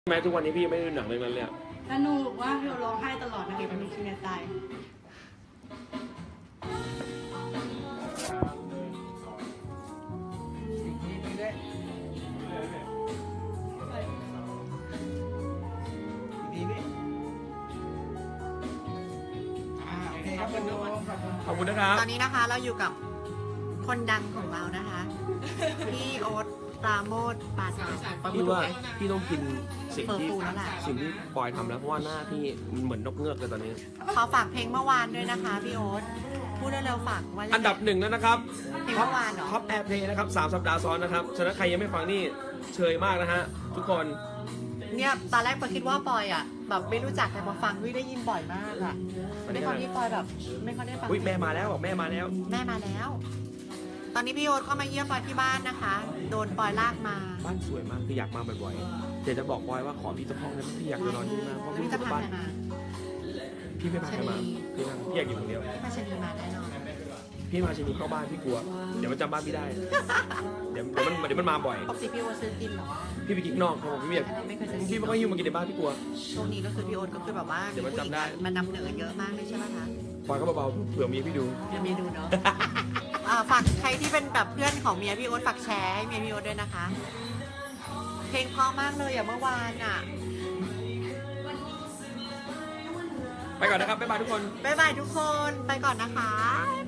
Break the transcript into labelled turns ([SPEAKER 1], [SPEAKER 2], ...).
[SPEAKER 1] แม้ทุกวันนี้พี่ยังไม่ได้ดูหนังเรื่องนั้นเลยอะ
[SPEAKER 2] สนุกว่าพี่ร้องไห้ตลอดนะเด็กมันมีชีวิตตาย
[SPEAKER 1] ขอบคุณนะครับ
[SPEAKER 3] ตอนนี้นะคะเราอยู่กับคนดังของเรานะคะ พี่โอ๊ตปราโมทปาสา
[SPEAKER 1] พี่ว่าพี่ต้องกินสิ่งที่
[SPEAKER 3] เฟอร์ฟูแล้วล่ะ
[SPEAKER 1] สิ่งที่ปอยทำแล้วเพราะว่าหน้าพี่มันเหมือนนกเงือกเลยตอนนี้
[SPEAKER 3] ขอฝากเพลงเมื่อวานด้วยนะคะพี่โอ๊ตพูดเร็วๆฝากว่า
[SPEAKER 1] อันดับหนึ่งแล้วนะครับ
[SPEAKER 3] เพลงเมื่อวานเหรอ
[SPEAKER 1] ท็อปแอร์เพลย์นะครับ3 สัปดาห์ซ้อนนะครับฉะนั้นใครยังไม่ฟังนี่เชยมากนะฮะทุกคน
[SPEAKER 3] เนี่ยตอนแรกปอยคิดว่าปอยอ่ะแบบไม่รู้จักแต่พอฟังได้ยินบ่อยมากอ่ะด้วยความที่ปอยแบบไม่ค่อยได้ฟัง
[SPEAKER 1] อุ้ยแม่มาแล้วบอกแม่มาแล้ว
[SPEAKER 3] แม่มาแล้ว ตอนนี้พี่โอ๊ตก็มาเยี่ยมปอยที่บ้านนะคะ โดนปอยลากมา
[SPEAKER 1] บ้านสวยมากคืออยากมาบ่อยๆเดี๋ยวจะบอกปอยว่าขอพี่สักห้องนะพี่อยากจะนอนที่นี่มากเพราะ
[SPEAKER 3] แล้ว
[SPEAKER 1] พี่
[SPEAKER 3] พี่จะ
[SPEAKER 1] จะ
[SPEAKER 3] พา
[SPEAKER 1] บ้าน
[SPEAKER 3] ใครมา
[SPEAKER 1] พี่ไม่พาใครมา
[SPEAKER 3] ชะนี
[SPEAKER 1] พี่อยากอยู่คนเดียว
[SPEAKER 3] พี่มาชนีมาแน่นอน
[SPEAKER 1] พี่มาชินีเข้าบ้านพี่กลัวเดี๋ยวมันจำบ้านพี่ได้ เดี๋ยวมันมาบ่อย
[SPEAKER 3] ปกติพี่โอ๊ตซื้อกินเหรอ
[SPEAKER 1] พี่ไปกินข้างนอกครับผมพี่ไม่อยาก
[SPEAKER 3] ไม่เคยซื้อ
[SPEAKER 1] พี่ไม่ค่อยหิ้วมากินในบ้านพี่กลัว
[SPEAKER 3] ช่วงนี้ก็คือพี่โอ๊ตก็คือแบบว่า
[SPEAKER 1] เดี๋ยวมันจำได้
[SPEAKER 3] มันนำเหนือเยอะมากเลยใช่ไหมคะ
[SPEAKER 1] ปอยก็เบาๆเผื่อเมียพี่ดู
[SPEAKER 3] เดี๋ยวเมียดูเนาะ ฝากใครที่เป็นแบบเพื่อนของเมียพี่โอ๊ตฝากแชร์ให้เมียพี่โอ๊ตด้วยนะคะ เพลงเพราะมากเลยอ่ะเมื่อวานอ่ะ
[SPEAKER 1] ไปก่อนนะครับบ๊ายบายทุกคน
[SPEAKER 3] บ๊ายบายทุกคนไปก่อนนะคะ